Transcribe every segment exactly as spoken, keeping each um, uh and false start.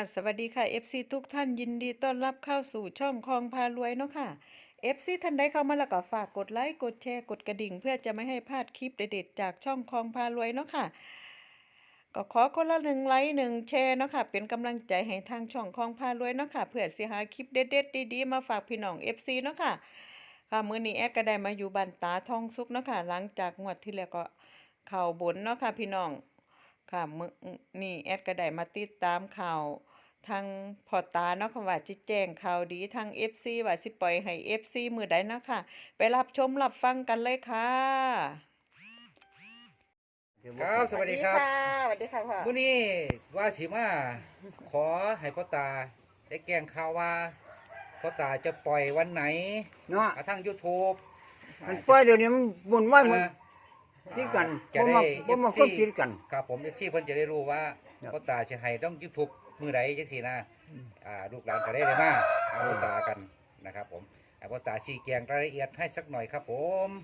สวัสดีค่ะ เอฟ ซี ทุกท่านยินดีต้อนรับเข้าสู่ช่องคลองพารวยเนาะค่ะ เอฟ ซี ท่านใดเข้ามาแล้วก็ฝากกดไลค์กดแชร์กดกระดิ่งเพื่อจะไม่ให้พลาดคลิปเด็ดๆจากช่องคลองพารวยเนาะค่ะก็ขอคนละหนึ่งไลค์หนึ่งแชร์เนาะค่ะเป็นกำลังใจให้ทางช่องคลองพารวยเนาะค่ะเพื่อสิหาคลิปเด็ดๆดีๆมาฝากพี่น้อง เอฟ ซี เนาะค่ะค่ะมื้อนี้แอดก็ได้มาอยู่บ้านตาทองสุกเนาะค่ะหลังจากงวดที่แล้วก็เข้าบนเนาะค่ะพี่น้อง ค่ะมื้อนี่แอดก็ได้มาติดตามข่าวทางพ่อตาเนาะค่ะว่าจิแจ้งข่าวดีทาง เอฟ ซี ว่าสิปล่อยให้ เอฟ ซี มื้อใดเนาะค่ะไปรับชมรับฟังกันเลยค่ะครับสวัสดีครับสวัสดีค่ะพ่อมื้อนี้ว่าสิมาขอให้พ่อตาได้แจ้งข่าวว่าพ่อตาจะปล่อยวันไหนเนาะทาง YouTube มันปล่อยเดี๋ยวนี้มันบุญไหวมันอ่าคิดกันจะบ่ได้มาบ่มาเอฟคซีนคิดกันครับผม เอฟ ซี เพิ่นจะได้รู้ว่าครับพ่อตาจะให้ต้อง YouTube มื้อใดจังซี่นะอ่าลูกหลานก็ได้เลยมาหาพ่อตากันนะครับผมให้พ่อตาชี้แจงรายละเอียดให้สักหน่อยครับผม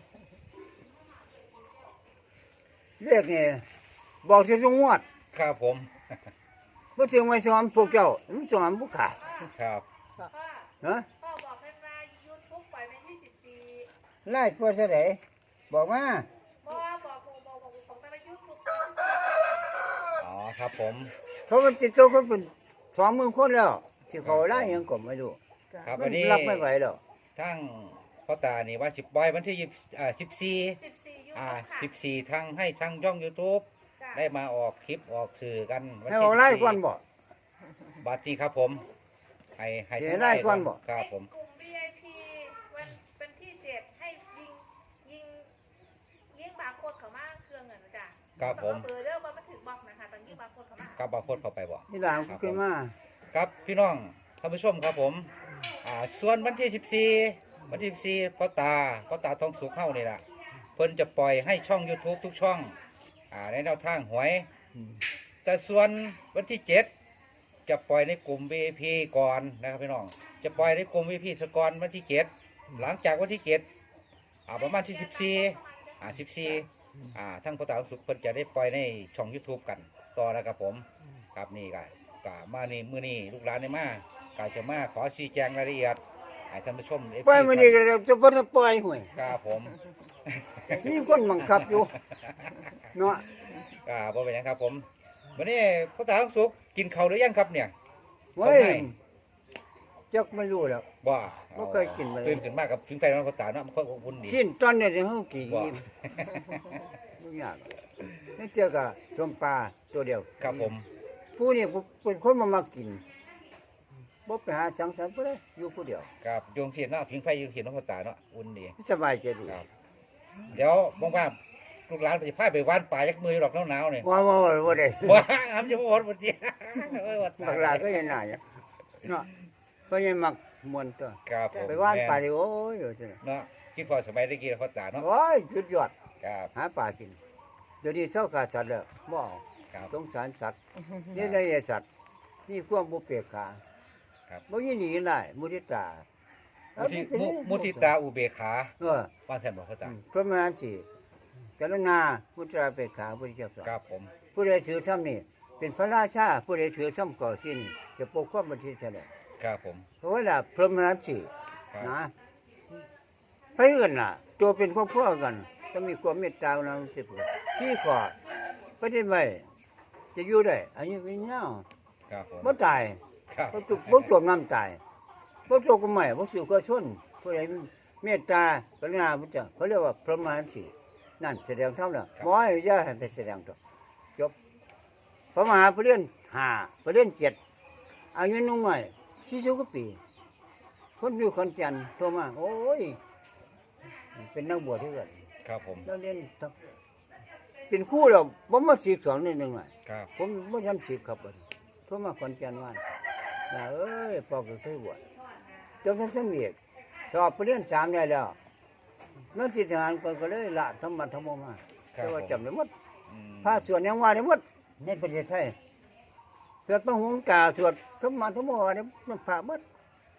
เรียกนี่บอกสิสงวดครับผมบ่ถึงไว้สอนพวกเจ้ามันสอนผู้ขาดครับฮะพ่อบอกให้มายูทูบปล่อยเป็นที่สิบสี่ไล่พวกซะไดบอกมาพ่อบอกบอกบอกบอกบอกไปยูทูบอ๋อครับผมเขามันติดตัวเขาเป็นสองหมื่นคนแล้วที่เขาไล่ยังก็ไม่รู้ครับมัวันนนี้รับไม่ไหวแล้วทั้งพ่อตานี่ว่าสิบปล่อยวันที่ยี่อ่าสิบสี่สิบสี่ยูอ่าทูบค่ะสิบสี่ทั้งให้ทั้งย่อง YouTube จ้ะได้มาออกคลิปออกสื่อกันวันให้ที่เอาไล่สิบสี่ก่อนบ่บัดนี้ครับผมให้ให้เดี๋ยวทั้งไล่ก่อนบ่ครับผมกลุ่ม วี ไอ พี วันเป็นที่เจ็ดให้ยิงยิงยิงบาร์โค้ดเขามาเครื่องเงินนะจ้ะครับผมแต่ว่าเบอร์เด้อมันไม่ถึงบล็อกนะคะตอนยิงบาร์โค้ดเขามากับบาร์โค้ดเข้าไปบ่นี่หลานขึ้นมาครับพี่น้องท่านผู้ชมครับผมอ่าส่วนวันที่สิบสี่วันที่สิบสี่พ่อตาพ่อตาทองสุขเข้านี่ล่ะเพิ่นจะปล่อยให้ช่อง YouTube ทุกช่องอ่าในแนวทางหวย แต่ส่วนวันที่เจ็ดจะปล่อยในกลุ่ม วี ไอ พี ก่อนนะครับพี่น้องจะปล่อยในกลุ่ม วี ไอ พี สก่อนวันที่เจ็ดหลังจากวันที่เจ็ดอ่าประมาณที่สิบสี่อ่าสิบสี่อ่าทั้งพ่อตาสุขเพิ่นจะได้ปล่อยในช่อง YouTube กันต่อนะครับผมครับนี่ก็ก็มานี่มื้อนี้ลูกหลานได้มาก็จะมาขอชี้แจงรายละเอียดให้ท่านผู้ชม เอฟ ซีปล่อยมื้อนี้ก็จะบ่ได้ปล่อยห่วยครับผมมีคนบังคับอยู่เนาะก็บ่เป็นหยังครับผมวันนี้พ่อตาสุขกินข้าวหรือยังครับเนี่ยเว้ยจักไม่รู้แล้วบ่บ่เคยกินมาเลยตื่นขึ้นมากับถึงไฟมันพ่อตาเนาะมันค่อยอบอุ่นดีชิ้นตอนนี้เฮากี่บ่อิ่มบ่ยากนี่เจอกับชมปลาตัวเดียวครับผมผู้นี่เป็นคนมามากินบ่ไปหาสังสรรค์บ่ได้อยู่ผู้เดียวครับโยงเสียนเนาะถึงไฟอยู่เสียนเนาะพ่อตาเนาะอุ่นดีสบายใจดีครับเดี๋ยวว่างๆลูกหลานไปสิพาไปว่านป่ายักมือหรอกหนาวๆเนี่ยว่าว่าว่าบ่ได้ว้าอำจะบ่หมดบ่ดีโอ้ยว่าตาบักหลาก็เห็นหน้าอยู่เนาะก็ยังมักมวนตัวครับผมไปว่านปลาดิโอ้ยอยู่ซั่นเนาะคิดพอสมัยตะกี้พ่อตาเนาะโอ้ยสุดยอดครับหาปลากินเดี๋ยวนี้เศร้าขาดสัตว์แล้วบ่เอาครับสงสารสัตว์นี่ได้สัตว์นี่ความบ่เปียกขาครับบ่ยินดีได้มุทิตามุทิมุมุทิตาอุเบกขาเออว่าแทนบ่พ่อตาพระมหาสิกรุณามุตราเปกขาพุทธเจ้าสอนครับผมผู้ใดถือซ้ำนี่เป็นพระราชาผู้ใดถือซ้ำก่อที่นี่จะปกป้องประเทศชาติครับผมเพราะว่าล่ะพระมหาสิครับนะเพื่อนน่ะ ตัวเป็นครอบครัวกันก็มีความเมตตาอุณาสิบที่ขอประเทศไว้จะอยู่ได้อายุยืนยาวครับผมบ่ตายครับบ่ตุกบ่จมน้ำตายบ่ตกก็ไม่บ่สิวก็ชนผู้ใดเมตตากรุณาพุทธเจ้าเขาเรียกว่าพระมหาสินั่นแสดงธรรมแล้วบ่ให้อย่าให้ไปแสดงตัวจบพระมหาปริญญาห้าปริญญาเจ็ดอายุน้อยสี่สิบกว่าปี คนอยู่ขอนแก่นโทรมาโอ้ยเป็นนักบวชที่กันครับผมแล้วเรียนทับเป็นครู่แล้วผมมาสิบสองนิดหนึ่งอ่ะครับผมไม่ทันสิบครับบัดนี้โทรมาขอนแก่นว่าน่ะเอ้ยพ่อก็เคยบวชจนท่านสำเร็จสอบไปเรียนสามได้แล้วนั่นสิทหารก็เลยละธรรมะธรรมมาครัแต่บว่าผมจำได้หมดอืมพระสวดยังว่าได้หมดในประเทศไทยสวดพระหงส์กาสวดธรรมะธรรมว่าได้มันพระหมด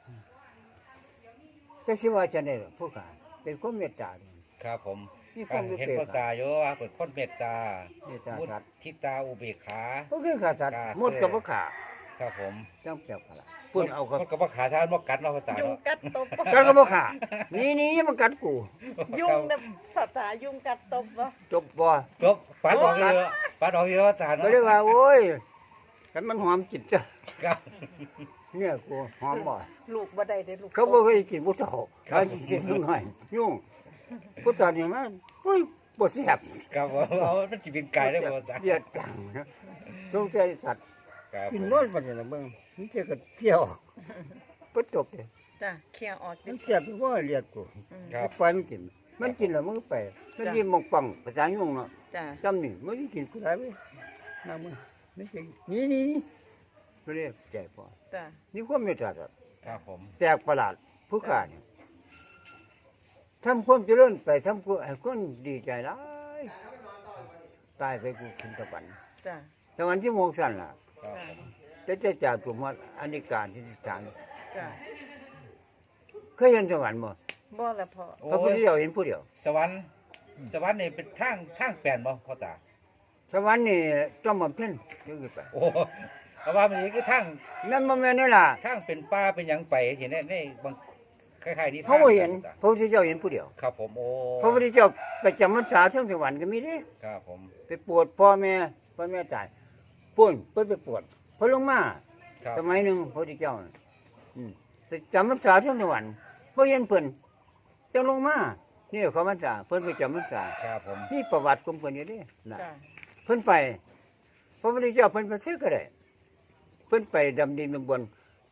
จักสิว่าจะได้หรอผู้ขาเป็นคนเมตตาดีครับผมมีความรู้เห็นเปรียบพ่อตาอยู่ว่าเป็นคนเมตตาเมตตามุสัตว์ทิตาอุเบกขาก็คือขาสัตว์ครับหมดกับบ่ขาคครับผมจังแปลกประหลาดพุ่นเอาก็มันก็บ่ขาทานบ่กัดเนาะพ่อตายุงเนาะกัดตบบ่กันก็บ่ขานี่นี่มันกัดกูยุงนะภาษายุงกัดตบบ่จบบ่จบปัดออกเยอะปัดออกเยอะพ่อตาก็เนาะเลยว่าโอ้ยกันมันหอมจิตจ้ะครับเนี่ยกูหอมบ่ลูกบ่ได้เด้ลูกเขาบ่เคยกินผู้สาวเขากินน้อยยุ่งผู้สาวนี่มันโอ้ยบ่แซ่บครับผมเอามันสิเป็นไก่ได้บ่พ่อตาเดียดจังนะสงสัยสัตว์ครับกินน้อยปานนี้ล่ะเบิ่งมันเจอกับเปรี้ยวบ่จบเลยจ้ะเคลียร์ออกดิมันแซ่บบ่เรียกกูอืมครับปล่อยมันกิน มันกินแล้วมันก็ไป มันยิ้มมองปังภาษายุ่งเนาะจ้ะจำนี่มันกินกูได้เว้ยมามึงนี่สินี่นี่นี่ก็เรียกใจพอจ้ะนี่ความเมตตาครับครับผมแปลกประหลาดผู้ขาเนี่ยทำความเจริญไปทำกูให้คนดีใจหลายตายไปกูขึ้นตะวันจ้ะตะวันที่โมงสั่นล่ะครับจ้ะแต่จะจากตัวมาอันนี้การที่สามจ้ะเคยเห็นสวรรค์บ่บ่ละพอโอ้พระพุทธยเจ้าเห็นผู้เดียวสวรรค์สวรรค์นี่เป็นทางทางแปลนบ่พ่อตาสวรรค์นี่จอมบำเพ็ญเดี๋ยวขึ้นไปโอ้เพราะว่ามันนี่คือทางนั่นบ่แม่นนี่ล่ะทางเป็นป่าเป็นหยังไปเห็นในในบางคล้ายๆนี่เขาบ่เห็นพระพุทธเจ้าเห็นผู้เดียวครับผมโอ้พระพุทธเจ้าไปจำพรรษาเทั้งสวรรค์ก็มีเด้ครับผมไปปวดพ่อแม่พ่อแม่ตายป่วนเพิ่นไปปวดเพิ่นลงมาครับสมัยหนึงพระพุทธเจ้าน่ะอืมไปจำพรรษาเทั้งสวรรค์บ่เห็นเพิ่นจังลงมานี่เขาพรรษาเพิ่นไปจำพรรษาครับผมนี่ประวัติของเพิ่นอยู่เด้น่ะจ้ะเพิ่นไปพระพุทธเจ้าเพิ่นไปซื้อก็ได้เพิ่นไปดำดินดำบน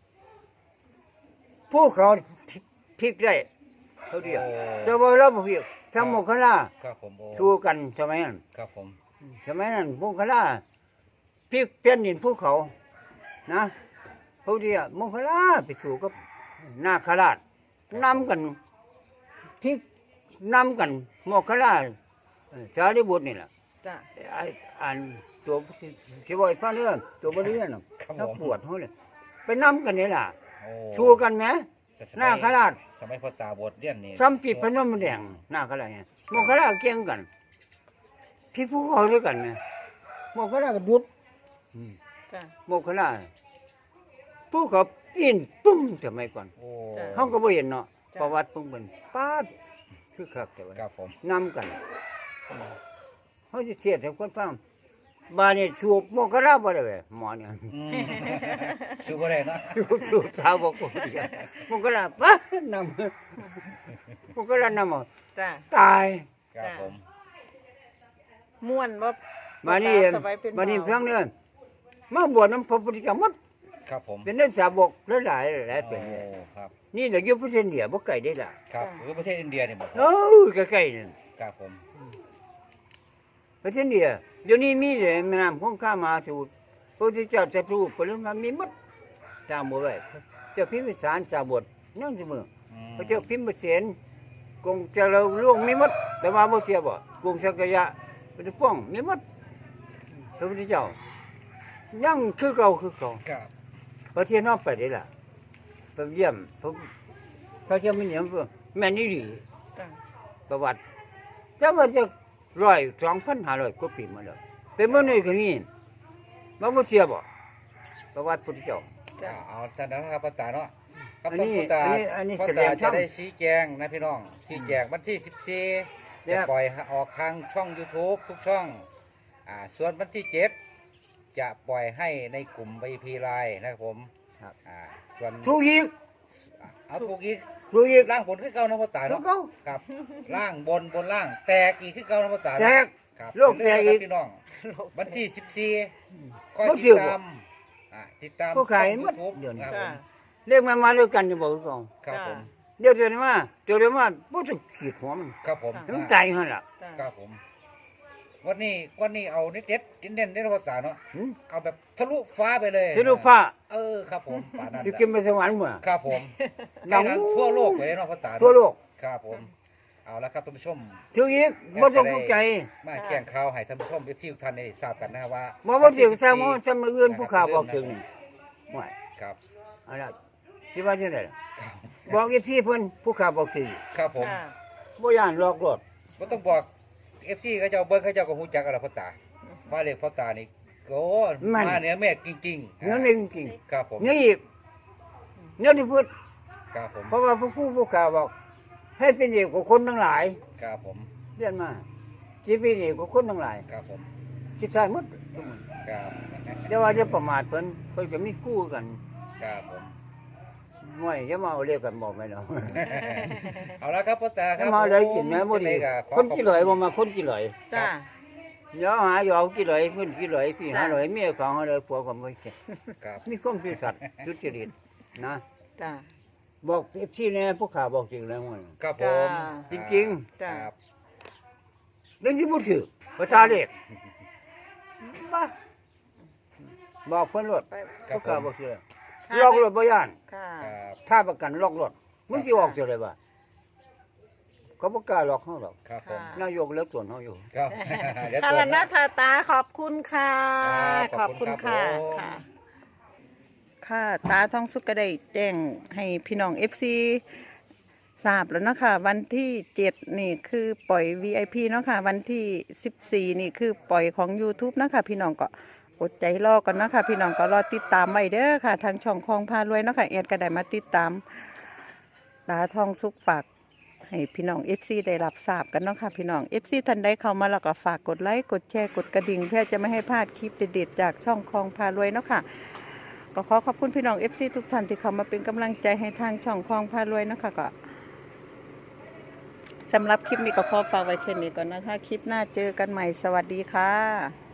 ผู้เขาพลิกได้เขาเดียวแต่ว่าเราบ่พลิกสมโมคคลาครับผมโอ้ชูกันสมัยนั้นครับผมสมัยนั้นโมคคลาพลิกเปลี่ยนดินภูเขานะเขาเดียวโมคคลาไปสู่กับนาคราชนำกันพลิกนำกันโมคคลาเอ่อสารีบุตรนี่ล่ะจ้ะไอ้อ่านตัวที่ว่าไอ้ฟังเรื่องตัวบริเวณน่ะครับถ้าผมปวดเขาเลยไปนำกันนี่ล่ะโอ้ชูกันไหมแต่สมัยหน้าขราชสมัยพ่อตาบวชเรียนนี่ซ้ำปิดพนมแดงหน้าขราชเนี่ยโมกขราชเกี่ยงกันพี่ผู้เขาด้วยกันเนี่ยโมกขราชก็ดุดอืมจ้ะโมกขราชผู้เขาปีนปุ้มสมัยก่อนโอ้จ้ะเขาก็บ่เห็นเนาะจ้ะประวัติเพิ่งเป็นป้าดคือคักแต่ว่าครับผมนำกันเขาจะเสียดให้คนฟังบาดนี่ชูบโมกขราชบ่ได้เว้ยหมอเนี่ยอืมชื่อบ่ได้เนาะสูบสาวบอกกูมึงก็ละปะนำมึงก็ละนำเอาจ้ะตายครับผมม่วนบ่มานี่สบายเป็นมานี่เบาเพียงเนื้อมาบวชน้ำพระพุทธเจ้าหมดครับผมเป็นเรื่องสาวกหลายหลายหลายเป็นโอ้ครับนี่เดี๋ยวยุบเส้นเดียบ่ไก่ได้ล่ะครับคือประเทศอินเดียนี่บ่โอ้ยใกล้ๆนี่ครับผมประเทศเดียเดี๋ยวนี้มีเลยแม่น้ำคงข้ามาสู่พระพุทธเจ้าจะรู้ปริมาณมีหมดตามบ่ไว้เจ้าพิมพิสารสาวบทนั่นเสมออืมพระเจ้าพิมพ์เสียนกงเจริญล่วงมีหมดแต่ว่าบ่เสียบ่กงสักยะเป็นป้องมีหมดพระพุทธเจ้ายังคือเก่าคือเก่าครับประเทศนอกไปได้ล่ะไปเยี่ยมพระพระเจ้ามีเนี่ยแม่นี่ดีจ้ะประวัติแต่ว่าจะร้อยสองพันห้าร้อยกว่าปีมาแล้วเป็นเมื่อนี้ก็มีมาบ่เสียบ่ประวัติพุทธเจ้าจ้ะเอาท่านนะครับพ่อตาเนาะครับอันนี้พ่อตาอันนี้อันนี้พ่อแสดตางช่จะองได้ชี้แจงนะพี่น้องชี้แจงวันที่สิบสี่เดี๋จะยวปล่อยออกทางช่อง YouTube ทุกช่องอ่าส่วนวันที่เจ็ดจะปล่อยให้ในกลุ่ม วี พี ไลน์นะครับผมอ่าส่วนถูกอีกเอาถูกอีกถูกอีกล่างบนขึ้นเก่านะพ่อตาถูเนาะกเก่าครับล่างบนบนล่างแตกอีกขึ้นเก่านะพ่อตาแตกครับโลกแตกอีกพี่น้องวันที่สิบสี่คอยบ่ติเชื่ดอบ่ตามอ่าติดตามผู้ขายช่องหมด YouTube เดี๋ยวนี้ครับผจ้ะมเรียกมามาด้วยกันจะบอกก่อนครับผมเดี๋ยวเดี๋ยวนี้มาเดี๋ยวเดี๋ยวมาบ่ต้องขีดหัวมันครับผมให้มันตายหั่นล่ะจ้ะครับผม วันนี้วันนี้เอาเน็ตเด็ดเน้นๆได้ภาษาเนาะหึเอาแบบทะลุฟ้าไปเลยสิลูกฟ้าเออครับผมป่านั้นสิขึ้นไปสวรรค์มื้อครับผมดังให้ทั่วโลกเลยเนาะภาษาทั่วโลกครับผม เอาละครับท่านผู้ชมถึงอีกบ่ต้องตกใจมาแจ้งข่าวให้ท่านผู้ชมที่ทุกท่านได้ทราบกันนะครับว่าบ่บ่สิแซงบ่ซำอื่นผู้ข่าวบอกถึงห่วยครับเอาล่ะสิว่าจังได๋ล่ะบอกอีพี่เพิ่นผู้ข่าวบอกถึงครับผมจ้ะบ่ย่านหลอกลวงก็ต้องบอกเอฟซีเขาเจ้าเบิ้งเขาเจ้าก็ฮู้จักกันแล้วพ่อตาว่าเลขพ่อตานี่เคโอ้มันมาเหนือเมฆจริงๆเนื้อหนึ่งจริงครับผมนี่อีกเนื้อที่พูดครับผมเพราะว่าผู้ผู้ผู้กล่าวบอก ให้เป็นเอกของคนทั้งหลายครับผมเรียนมาจีเป็นเอกของคนทั้งหลายครับผมจิตใจหมดครับแต่ว่าจะประมาทเพิ่นเพิ่นจะมีกู้กันครับผมไม่จะมาเอาเรียกกันบอกไม่เนาะเอาละครับพ่อตาคจะรับมาเอาเลยกินแม่บ่ดีก็ขอคนขอบกี่หลอยบ่มาคนกี่หลอยจ้าเดี๋ยวหาอยู่เอากี่หลอยเพิ่นกี่หลอยพี่หาหลอยเมียของหาหลอยผัวก็บ่เก่งครับมีความซื่อสัตย์สุจริตนะจ้าบอกเอฟซีแน่ผู้ข่าวบอกจริงแล้วมันครับผมจริงจ้าครับเรื่องที่บ่ถือภาษาเด็กบ้าบอกเพิ่นรถไปครับผู้ข่าวผมบอกเชื่อลอกรถบ่ย่านค่ะครับถ้าประกันลอกรถมันสิออกจังได๋บ่เขาบ่กล้าลอกเฮาหรอกครับผมนายกเลิกส่วนเฮาอยู่ครับเดี๋ยวค่ะตรวแล้จวนะนะทาตาขอบคุณค่ะครับขขออบบคุคุณณค่ะครับผมค่ะ ค่ะตาทองสุกก็ได้แจ้งให้พี่น้องเอฟซีทราบแล้วเนาะค่ะวันที่เจ็ดนี่คือปล่อย วี ไอ พี เนาะค่ะวันที่สิบสี่นี่คือปล่อยของ YouTube เนาะค่ะพี่น้องก็อดใจรอก่อนเนาะค่ะพี่น้องก็รอติดตามไว้เด้อค่ะทางช่องคลองพารวยเนาะค่ะแอดก็ได้มาติดตามตาทองสุกฝากให้พี่น้อง เอฟ ซี ได้รับทราบกันเนาะค่ะพี่น้อง เอฟ ซี ท่านใดเข้ามาแล้วก็ฝากกดไลค์กดแชร์กดกระดิ่งเพื่อจะไม่ให้พลาดคลิปเด็ดๆจากช่องคลองพารวยเนาะค่ะก็ขอขอบคุณพี่น้อง เอฟ ซี ทุกท่านที่เข้ามาเป็นกำลังใจให้ทางช่องคลองพารวยเนาะค่ะก็สำหรับคลิปนี้ก็ขอฝากไว้แค่นี้ก่อนนะคะ คลิปหน้าเจอกันใหม่สวัสดีค่ะ